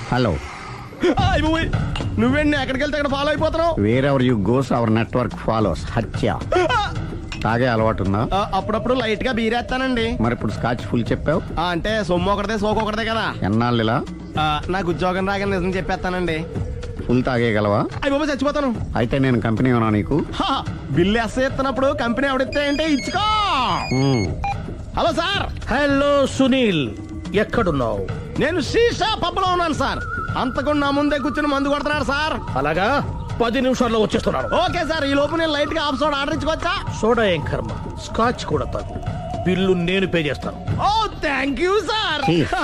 Hello. నువ్వేండి ఎక్కడికి వెళ్తే అక్కడ ఫాలో అయిపోతున్నావు? Wherever you goes our network follows. హత్య. తాగే అలవాటు ఉందా? అప్పుడప్పుడు లైట్ గా బీరేస్తానండి. మరి ఇప్పుడు స్కాచ్ ఫుల్ చెప్పావు. అంటే సొమ్ము ఒకటిదే సోకు ఒకటిదే కదా. ఎన్నాళ్ళు ఇలా? నాకు ఉద్యోగం రాగానే నిజం చెప్పేస్తానండి. ఫుల్ తాగేయగలవా? అయ్యి బాబా చచ్చిపోతాను. అయితే నేను కంపెనీ ఉన్నా నీకు. బిల్లు ఎస్ఐ ఎత్తినప్పుడు కంపెనీ ఎవడితే అంటే ఇచ్చుకో. Hello sir. హలో సునీల్, ఎక్కడున్నావు? నేను శీషా పబ్ లో ఉన్నాను సార్. అంతకుండా నా ముందే కూర్చుని మందు కొడుతున్నాడు సార్. అలాగా, 10 నిమిషాల్లో వచ్చేస్తున్నాను. Okay sir. ఈ లోపు నేను లైట్ గా హాఫ్ సోడా ఆర్డర్ ఇచ్చుకోవచ్చా? సోడా ఏం కర్మ, స్కాచ్ కూడా తాగు. బిల్లు నేను పే చేస్తాను. ఓ థ్యాంక్ యూ సార్.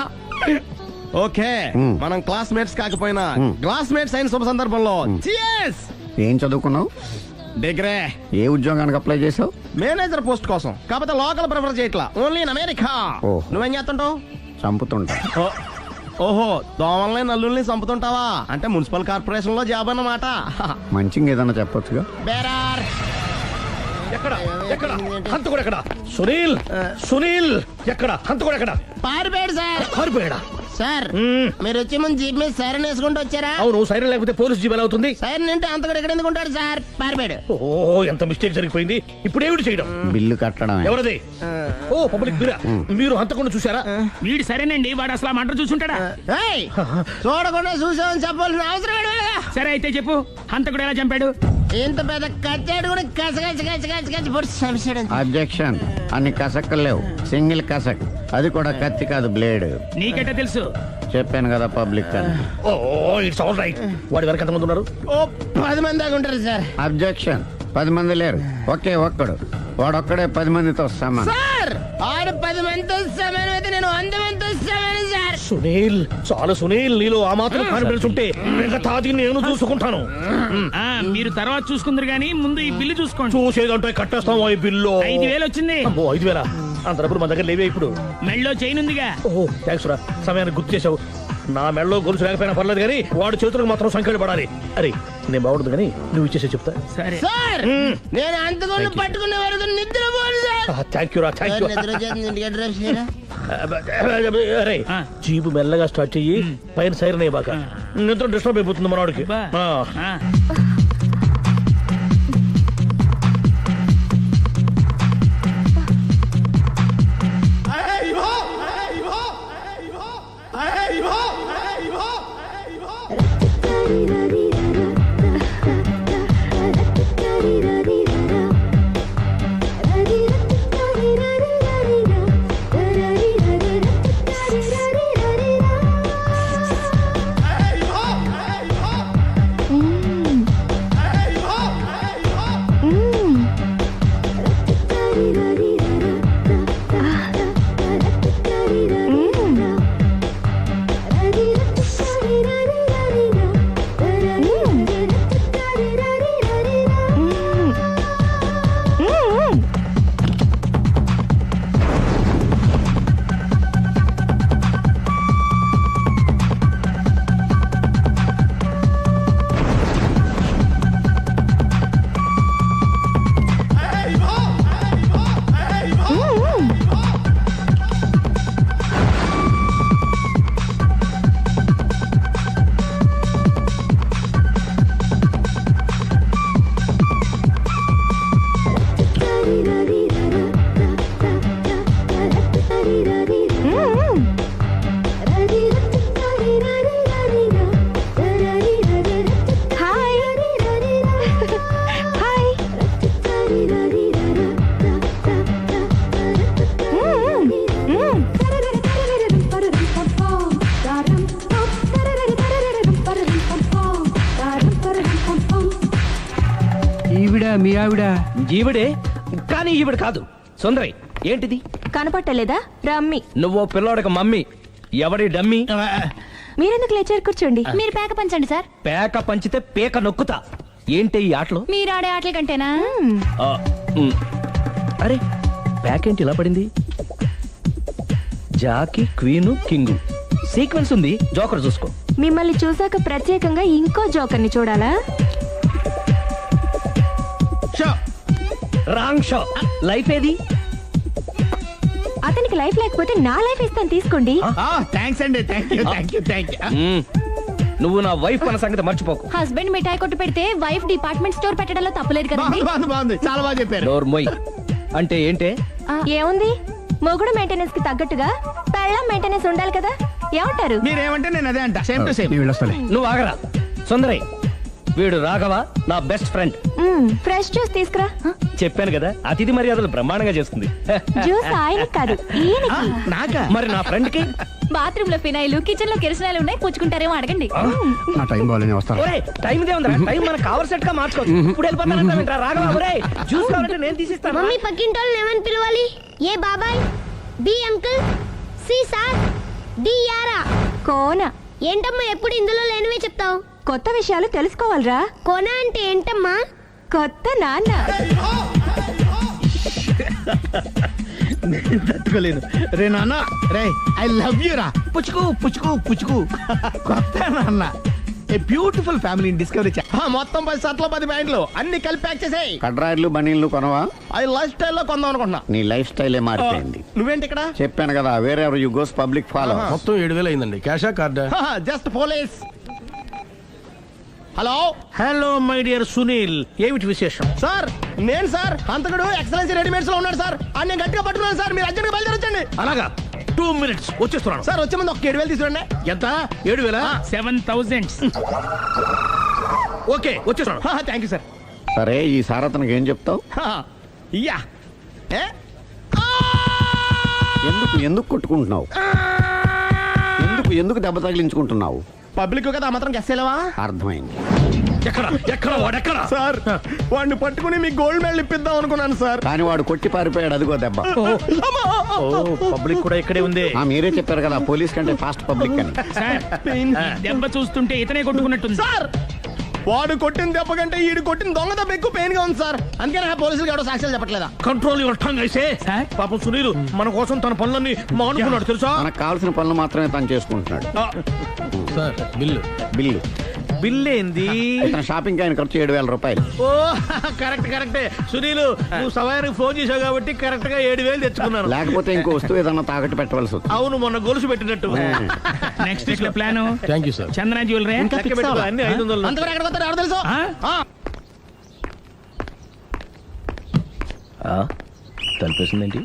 ఓకే, మనం క్లాస్మేట్స్ కాకపోయినా క్లాస్మేట్స్ అయిన శుభ సందర్భంలో cheers. ఏం చదువుకున్నావు? డిగ్రీ. ఏ ఉద్యోగానికి అప్లై చేసావు? మేనేజర్ పోస్ట్ కోసం. కాకపోతే లోకల్ ప్రిఫర్ చేయట్లా, ఓన్లీ ఇన్ అమెరికా. నువ్వేం చేస్తుంటావు? చంపుతుంటా. ఓహో, దోమల్ని నల్లుల్ని చంపుతుంటావా? అంటే మున్సిపల్ కార్పొరేషన్ లో జాబ్ అన్నమాట. మంచిగా ఏదన్నా చెప్పొచ్చుగా. బేరార్. ఎక్కడ ఎక్కడ హంతకుడు ఎక్కడ? సునీల్, సునీల్ ఎక్కడ? హంతకుడు ఎక్కడ? పారిపోయాడు సార్. పారిపోయాడా? సార్ మీరు వచ్చే ముందు జీప్ మీద సైరన్ వేసుకుంటూ వచ్చారా? అవును, సైరన్ లేకపోతే పోలీస్ జీప్ ఎలా అవుతుంది? సైరన్ అంటే అంతకుడు ఎక్కడ ఎందుకు ఉంటాడు సార్? పారిపోయాడు. ఓ, ఎంత మిస్టేక్ జరిగిపోయింది. ఇప్పుడు ఏమిటి చేయడం? బిల్లు కట్టడం. ఎవరది? ఓ, పబ్లిక్ మీరా? మీరు హంతకుండా చూసారా? వీడు సరేనండి, వాడు అసలు మంట చూసుంటాడా? చూడకుండా చూసామని చెప్పాల్సిన అవసరం లేదు. సరే అయితే చెప్పు, హంతకుడు ఎలా చంపాడు? ఇంత పెద్ద కచ్చాడు కూడా కస పొడి. అబ్జెక్షన్. అన్ని కసక్కలు లేవు, సింగిల్ కసక్. అది కూడా కత్తి కాదు, బ్లేడ్. నీకెట్టా తెలుసు? చెప్పాను కదా పబ్లిక్ అని. ఓ, ఇట్స్ ఆల్ రైట్. వాడి వరకు ఎంతమంది ఉన్నారు? ఓ 10 మంది దాకా ఉంటారు సార్. అబ్జెక్షన్. 10 మంది లేరు, ఒకే ఒక్కడు. వాడొక్కడే 10 మందితో సమానం. సార్ ఆడు 10 మందితో సమానం అయితే నేను 100 మందితో సమానం సార్. సునీల్, చాలు సునీల్, నీలో ఆ మాత్రం కాన్ఫిడెన్స్ ఉంటే మిగతాది నేను చూసుకుంటాను. మీరు తర్వాత చూసుకుందరు గానీ ముందు ఈ బిల్లు చూసుకోండి. చూసేదంటే కట్టేస్తాం. ఈ బిల్లు 5,000 వచ్చింది. 5,000? అంత డబ్బులు మన దగ్గర లేవే ఇప్పుడు. మెళ్ళో చైన్ ఉందిగా. ఓహో, థ్యాంక్స్ రా, సమయానికి గుర్తు చేసావు. నా మెడలో గొలుసు లేకపోయినా పర్లేదు కానీ వాడి చేతులకు మాత్రం సంఖ్యలు పడాలి. అరే, నేను బాగుండదు కానీ నువ్వు ఇచ్చేసే చెప్తా. సరే సార్, నేను అంతకుండా పట్టుకునే వరకు నిద్రపోను సార్. థ్యాంక్ యూ రా, థ్యాంక్ యూ. అరే, జీబు మెల్లగా స్టార్ట్ చెయ్యి, పైన సైరన్ అయ్యాక నిద్ర డిస్టర్బ్ అయిపోతుంది మనవాడికి. మీ ఆవిడ ఈవిడే, కానీ ఈవిడ కాదు. సుందరి, ఏంటిది? కనపట్టలేదా? రమ్మి. నువ్వు పిల్లోడికి మమ్మీ. ఎవడి డమ్మీ? మీరెందుకు లేచారు? కూర్చోండి. మీరు పేక పంచండి సార్. పేక పంచితే పేక నొక్కుతా. ఏంటి ఈ ఆటలు? మీరు ఆడే ఆటల కంటేనా? అరే, పేక ఏంటి ఇలా పడింది? జాకి, క్వీను, కింగు సీక్వెన్స్ ఉంది. జోకర్ చూసుకో. మిమ్మల్ని చూసాక ప్రత్యేకంగా ఇంకో జోకర్ని చూడాలా? Wrong show. లైఫ్ ఏది? అతనికి లైఫ్ లేకపోతే నా లైఫ్ ఇస్తాను, తీసుకోండి. థ్యాంక్స్ అండి. Thank you. నువ్వు నా వైఫ్ అన్న సంగతి మర్చిపోకు. హస్బెండ్ మిఠాయి కొట్టు పెడితే వైఫ్ డిపార్ట్మెంట్ స్టోర్ పెట్టడంలో తప్పలేదు కదండి. బాగుంది చాలా బాగా చెప్పారు. డోర్ మొయ్ అంటే ఏంటే? ఏముంది, మొగుడు మెయింటెనెన్స్ కి తగ్గట్టుగా పెళ్ళాం మెయింటెనెన్స్ ఉండాలి కదా. ఏమంటారు? మీరేమంటే నేను అదే అంట. Same to same. నువ్వు ఆగరా సుందరి. వీడు రాఘవ నా బెస్ట్ ఫ్రెండ్. ఫ్రెష్ జ్యూస్ తీసుకురా. చెప్పాను కదా అతిథి మర్యాదలు బ్రహ్మాండంగా చేస్తుంది. జ్యూస్ ఆయనకి కాదు ఈయనకి. నాకా? మరి నా ఫ్రెండ్ కి బాత్రూమ్ లో ఫినాయిల్, కిచెన్ లో కిరసనాయిలు ఉన్నాయి, పుచ్చుకుంటారేమో అడగండి. నా టైం బాగాలేని వస్తాను. ఒరే టైం ఇదే ఉందిరా. టైం మనకు కవర్ సెట్ గా మార్చుకోవచ్చు. ఇప్పుడు వెళ్ళిపోతానంటా రాఘవ. ఒరే జ్యూస్ కావాలంటే నేను తీసిస్తాను. మమ్మీ పక్కింటోళ్ళని ఏమని పిలవాలి? ఏ బాబాయ్, B uncle, C sir, D యారా. కోన. ఏంటమ్మా ఎప్పుడు ఇందులో లేనివే చెప్తావు? కొత్త విషయాలు తెలుసుకోవాలిరా. కోన అంటే ఏంటమ్మా? కొత్త నాన్న. తట్టుకోలేను. రే నాన్న, రే ఐ లవ్ యూ రా. పుచ్చుకు పుచ్చుకు పుచ్చుకు. కొత్త నాన్న. A beautiful family discovery. మొత్తం 10 షర్ట్లు 10 ప్యాంట్లు అన్ని కలిపి ప్యాక్ చేసేయ్. కడ్రాయిలు బనీళ్లు కొనవా? అది లైఫ్ స్టైల్లో కొందాం అనుకుంటున్నా. నీ లైఫ్ స్టైలే మారిపోయింది. నువ్వేంటి ఇక్కడ? చెప్పాను కదా, వేరే ఎవరు యు గోస్ పబ్లిక్ ఫాలో. మొత్తం 7,000 అయిందండి. క్యాషా కార్డా? Just police. Hello hello my dear Sunil, ఏమిటి విశేషం? సార్, నేను సార్ హంతకుడు ఎక్సలెన్సీ రెడీమేడ్స్ లో ఉన్నాడు సార్. అని నేను గట్టిగా పట్టుకున్నాను సార్. మీరు అర్జెంట్గా బయలుదేరొచ్చండి. అలాగా 2 minutes వచ్చేస్తున్నాను. సార్ వచ్చే ముందు ఒక 7,000 తీసుకురండి. ఎంత? 7,000? 7,000. ఓకే వచ్చేస్తున్నాను. Thank you sir. సరే, ఈ సారతనకి ఏం చెప్తావు? ఇయ్యా. ఏ? ఎందుకు ఎందుకు కొట్టుకుంటున్నావు? ఎందుకు దెబ్బ తగిలించుకుంటున్నావు? పబ్లిక్ కదా మాత్రం గెస్సేలేవా? అర్థమైంది. ఎక్కడ వాడెక్కడ? సార్, వాడిని పట్టుకుని మీ గోల్డ్ మెడల్ ఇప్పిద్దాం అనుకున్నాను సార్. కానీ వాడు కొట్టి పారిపోయాడు. అదిగో దెబ్బ. పబ్లిక్ కూడా ఇక్కడే ఉంది. మీరే చెప్పారు కదా పోలీస్ కంటే ఫాస్ట్ పబ్లిక్ అని. సార్, ఈ దెబ్బ చూస్తుంటే ఇతనే కొట్టుకున్నట్టుంది. సార్, వాడు కొట్టిన దెబ్బ కంటే ఈడు కొట్టిన దొంగ దెబ్బ ఎక్కువ పెయిన్ గా ఉంది సార్. అందుకే నా పోలీసులు ఎవడో సాక్ష్యాలు చెప్పట్లేదా? కంట్రోల్ యువర్ టంగ్ అయితే. సార్? పాపం సునీల్ మన కోసం తన పనులన్నీ మానుకున్నాడు తెలుసా? మనకు కావాల్సిన పనులు మాత్రమే తను చేసుకుంటున్నాడు. Sir bill. బిల్లు బిల్ ఏంది? ఇతను షాపింగ్ ఆయన ఖర్చు 7,000 రూపాయలు. ఓ కరెక్టే సునీల్, నువ్వు సమయానికి ఫోన్ చేసావు కాబట్టి కరెక్ట్ గా 7,000 తెచ్చుకున్నాను. లేకపోతే ఇంకో వస్తువు ఏదన్నా తాకట్టు పెట్టవలసి వస్తుంది. అవును, మొన్న గొలుసు పెట్టినట్టు. నెక్స్ట్ వీక్ లో plan thank you sir. Chandana jewellery. లెక్క పెట్టుకో, అన్ని 500. అంతవరకు ఎక్కడ పోతారు ఎవరు తెలుసు? తలిపేసిందేంటి?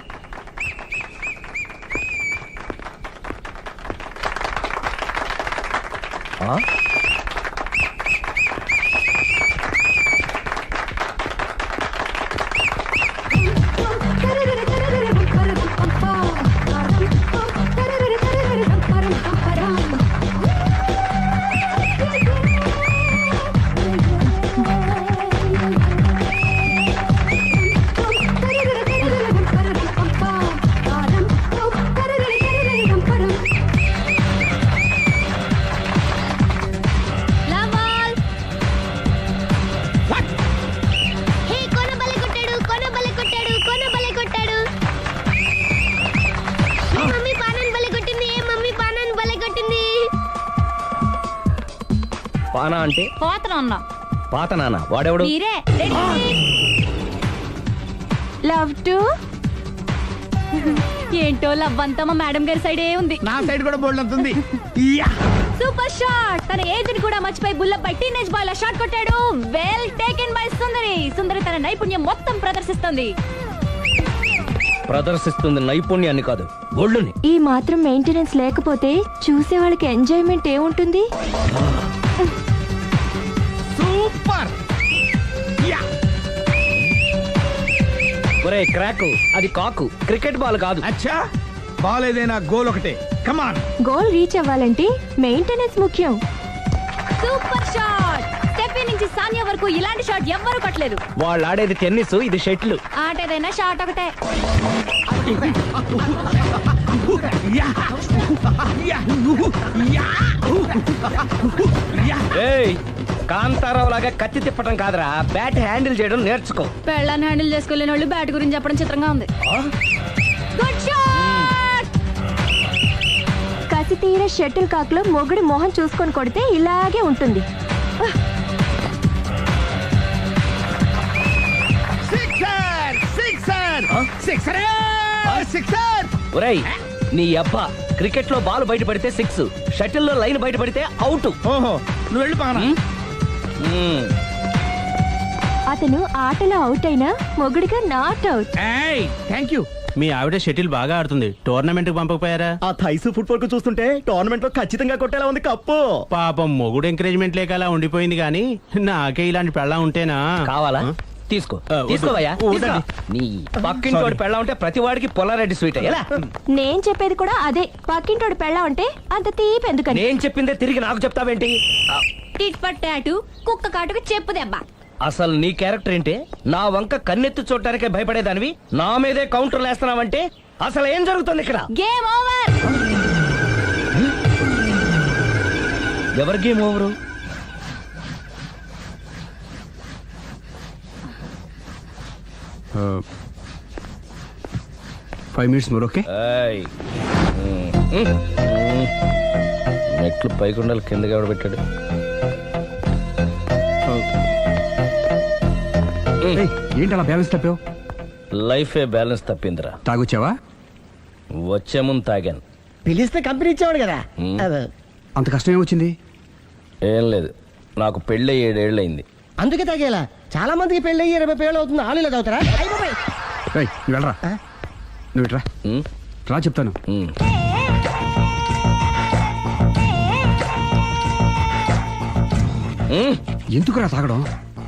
హే, కోన బలే కొట్టాడు, కోన బలే కొట్టాడు, కోన బలే కొట్టాడు. ఏ మమ్మీ పానాన్ని బలే కొట్టింది, ఏ మమ్మీ పానాన్ని బలే కొట్టింది. పానా అంటే పోతన అన్న. పాత నాన్న. వాడెవడు? మీరే. Love to. ఏంటో లవ్ అంతా మా మేడం గారి సైడే ఉంది. నా సైడ్ కూడా బోల్డ్ అవుతుంది. Super shot. తన ఏజ్ ని కూడా మర్చిపోయి బుల్లపై టీనేజ్ బాయ్ లా షాట్ కొట్టాడు. Well taken by Sundari. Sundari తన నైపుణ్యం మొత్తం ప్రదర్శిస్తుంది. ప్రదర్శిస్తుంది నైపుణ్యాన్ని కాదు, ఒళ్ళుని. ఈ మాత్రం మెయింటెనెన్స్ లేకపోతే చూసే వాళ్ళకి ఎంజాయ్మెంట్ ఏముంటుంది? సూపర్. ఒరే క్రాక్, అది కాకు, క్రికెట్ బాల్ కాదు. అచ్చా, బాల్ ఏదైనా గోల్ ఒకటే. కమాన్. గోల్ రీచ్ అవ్వాలంటే మెయింటెనెన్స్ ముఖ్యం. Super shot. స్టెఫీ నుంచి సానియా వరకు ఇలాంటి షాట్ ఎవ్వరూ కొట్టలేదు. వాళ్ళు ఆడేది టెన్నిస్, ఇది షటిల్. ఆట ఏదైనా షాట్ ఒకటే. ఏయ్, కాంతారావు లాగా కత్తి తిప్పటం కాదురా, బ్యాట్ హ్యాండిల్ చేయడం నేర్చుకో. పెళ్ళాన్ని హ్యాండిల్ చేసుకోలేని వాళ్ళు బ్యాట్ గురించి చెప్పడం చిత్రంగా ఉంది. Good shot. కసి తీర షటిల్ కాక్ లో మొగుడి మొహం చూసుకొని కొడితే ఇలాగే ఉంటుంది. సిక్సర్. ఒరేయ్ నీ అబ్బా క్రికెట్ లో బాల్ బయట పడితే 6, షటిల్ లో లైన్ బయట పడితే అవుట్. ఓహో నువ్వు వెళ్ళి పక్కన. అతను ఆటలో అవుట్ అయినా మొగుడిగా నాట్ అవుట్. Thank you. మీ ఆవిడ షటిల్ బాగా ఆడుతుంది, టోర్నమెంట్ కి పంపకపోయారా? ఆ థైస్ ఫుట్బాల్ కు చూస్తుంటే టోర్నమెంట్ లో ఖచ్చితంగా కొట్టేలా ఉంది కప్పు. పాపం మొగుడు ఎంకరేజ్మెంట్ లేక అలా ఉండిపోయింది కానీ నాకే ఇలాంటి పెళ్ళ ఉంటేనా. కావాలా? తీసుకో వద్దు. తీసుకోవయ్యా. వద్దండి. నీ పక్కింటి వాడి పెళ్ళ ఉంటే ప్రతి వాడికి పొలారెడ్డి స్వీట్ ఎలా? నేను చెప్పేది కూడా అదే. పక్కింటోడు పెళ్ళా ఉంటే అంత తీపి ఎందుకని? నేను చెప్పిందే తిరిగి నాకు చెప్తావేంటి? టిట్ పట్టాటు కుక్క కాటుకు చెప్పు దెబ్బ. అసలు నీ క్యారెక్టర్ ఏంటి? నా వంక కన్నెత్తి చూడటానికే భయపడేదానివి నా మీదే కౌంటర్లు వేస్తున్నావంటే అసలు ఏం జరుగుతుంది ఇక్కడ? Game over. ఎవరి game over? 5 minutes more, okay? ఏయ్. మెట్లు పైకుండలు కిందకి ఎవడ పెట్టాడు? ఏంటి అలా బ్యాలెన్స్ తప్పావు? లైఫే బ్యాలెన్స్ తప్పిందిరా. తాగొచ్చావా? వచ్చే ముందు తాగాను. పిలిస్తే కంపెనీ ఇచ్చేవాడు కదా. అంత కష్టం ఏమొచ్చింది? ఏం లేదు, నాకు పెళ్ళి 7 ఏళ్ళు అయింది. అందుకే తాగేలా. చాలా మందికి పెళ్ళి 20 ఏళ్ళు అవుతుంది. ఆలు ఇలా తాగుతారా? రేయ్, నువ్వు వెళ్ళరా. నువ్వు ఇట్రా రా చెప్తాను. ఎందుకురా తాగడం?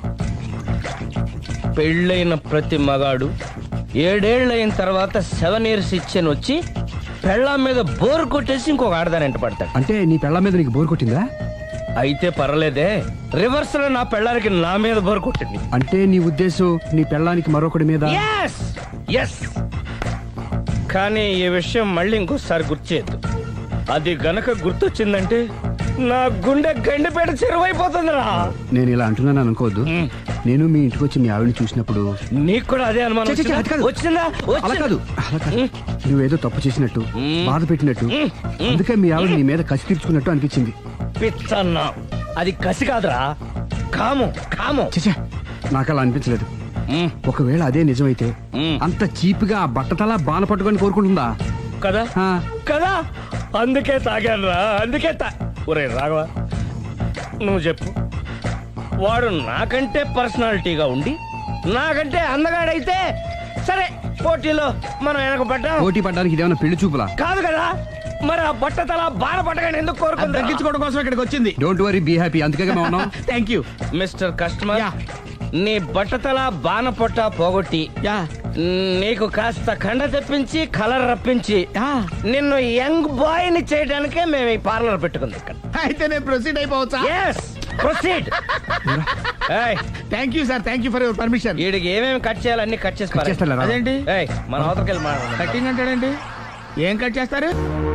పెళ్ళైన ప్రతి మగాడు 7 ఏళ్ళు అయిన తర్వాత 7 years ఇచ్చాను వచ్చి పెళ్ళాం మీద బోర్ కొట్టేసి ఇంకొక ఆడదానంట పడతాడు. అంటే నీ పెళ్ళ మీద నీకు బోర్ కొట్టిందా? అయితే పర్లేదే, రివర్స్ లో నా పెళ్ళానికి నా మీద బోర్ కొట్టింది. అంటే నీ ఉద్దేశం నీ పెళ్ళానికి మరొకటి మీద? Yes! Yes! కానీ ఈ విషయం మళ్ళీ ఇంకోసారి గుర్తు చేయొద్దు. అది గనక గుర్తొచ్చిందంటే నా గుండె గండిపేట చెరువైపోతుందిరా. నేను ఇలా అంటున్నాను అనుకోవద్దు. నేను మీ ఇంటికి వచ్చి మీ ఆవిడని చూసినప్పుడు నీకు కూడా అదే అనుమానం ఛీ, ఛీ, ఛీ, అది కాదు. వచ్చిందా? అలా కాదు, అలా కాదు. నువ్వేదో తప్పు చేసినట్టు, బాధ పెట్టినట్టు, అందుకే మీ ఆవిడ నీ మీద కసి తీర్చుకున్నట్టు అనిపించింది. పిచ్చన్నా, అది కసి కాదురా, కాము కాము. చచ్చా, నాకు అలా అనిపించలేదు. ఒకవేళ అదే నిజమైతే అంత చీప్ గా బట్టతలా బాణ పట్టుకొని కోరుకుంటుందా? కదా ఆ. కదా, అందుకే తాగాను రా, అందుకే ఒరే రాఘవ, నువ్వు చెప్పు, వాడు నాకంటే పర్సనాలిటీగా ఉండి నాకంటే అందగాడైతే సరే, పోటీలో మనం వెనక పడ్డాం. పోటీ పడ్డానికి ఇదేమన్నా పెళ్లి చూపులా? కాదు కదా, మరి ఆ బట్టతల బాణ పట్టగానే ఎందుకు కోరుకుంది? తగ్గించుకోవడం కోసం ఇక్కడికి వచ్చింది. Don't worry, be happy. అందుకే మేము ఉన్నాం. Thank you. Mister customer, yeah. నీ బట్టతల బాణ పొట్ట పోగొట్టి యా. నీకు కాస్త కండ తెప్పించి కలర్ రప్పించి యా. నిన్ను యంగ్ బాయ్ ని చేయడానికే మేము ఈ పార్లర్ పెట్టుకుంది ఇక్కడ. అయితే నేను ప్రొసీడ్ అయిపోవచ్చా? Yes, proceed. ఏయ్, thank you sir. Thank you for your permission. వీడికి ఏమేమి కట్ చేయాలో అన్ని కట్ చేసి పారేయ్. చేస్తారా? అదేంటి ఏయ్, మన అవతలకి వెళ్ళి మాట్లాడదాం. కటింగ్ అంటాడేంటి? ఏం కట్ చేస్తారు?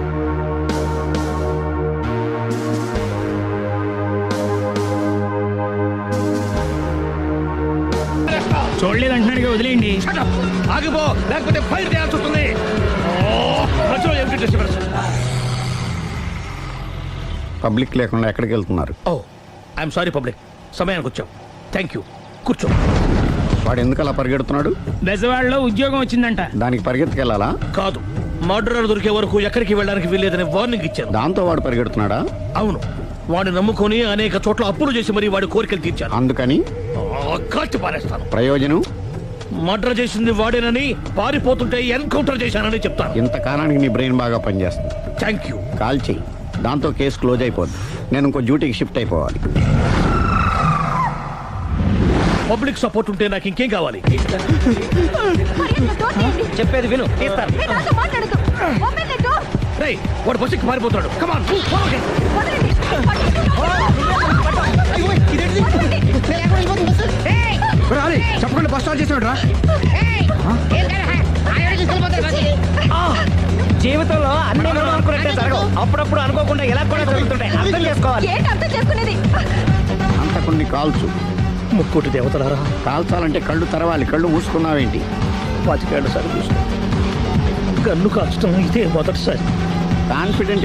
చూడలేదు అంటున్నాడు, వదిలేయండి. ఆగిపో, లేకపోతే ఫైర్ చేయాల్సి వస్తుంది. పబ్లిక్ లేకుండా ఎక్కడికి వెళ్తున్నారు? ఓ, ఐఎమ్ సారీ పబ్లిక్, సమయానికి వచ్చాం. థ్యాంక్ యూ, కూర్చో. వాడు ఎందుకు అలా పరిగెడుతున్నాడు? బెజవాడలో ఉద్యోగం వచ్చిందంట. దానికి పరిగెత్తుకెళ్ళాలా? కాదు, మర్డరర్ దొరికే వరకు ఎక్కడికి వెళ్ళడానికి వీల్లేదని వార్నింగ్ ఇచ్చాను. దాంతో వాడు పరిగెడుతున్నాడా? అవును, వాడిని నమ్ముకొని అనేక చోట్ల అప్పులు చేసి మరి వాడి కోరికలు తీర్చాను. అందుకని కాల్చి పారేస్తాను. ప్రయోజనం? మర్డర్ చేసింది వాడేనని, పారిపోతుంటే ఎన్కౌంటర్ చేశానని చెప్తాను. ఇంతకాలానికి నీ బ్రెయిన్ బాగా పనిచేస్తుంది. Thank you. కాల్ చెయ్యి, దాంతో కేసు క్లోజ్ అయిపోద్ది. నేను ఇంకో డ్యూటీకి షిఫ్ట్ అయిపోవాలి. పబ్లిక్ సపోర్ట్ ఉంటే నాకు ఇంకేం కావాలి? చెప్పేది విను, తీస్తాను. ఏ, నాతో మాట్లాడకు. Open the door. రేయ్, వాడు బస్సుకి మారిపోతాడు. కమాన్. వదలండి. చెప్పకుండా బస్ స్టార్ట్ చేసాడు రా. జీవితంలో అన్ని మనం అనుకున్నట్టే జరగవు. అప్పుడప్పుడు అనుకోకుండా ఎలా కూడా జరుగుతుంటాయి. అర్థం చేసుకోవాలి. ఏంటి అర్థం చేసుకునేది? అంత కొన్ని కాల్చు. ముక్కోటి దేవతలారా, కాల్చాలంటే కళ్ళు తెరవాలి. కళ్ళు మూసుకున్నావేంటి? 25 ఏళ్ళ సార్ చూసిన గన్ను కాల్చడం ఇదే మొదటిసారి. కాన్ఫిడెంట్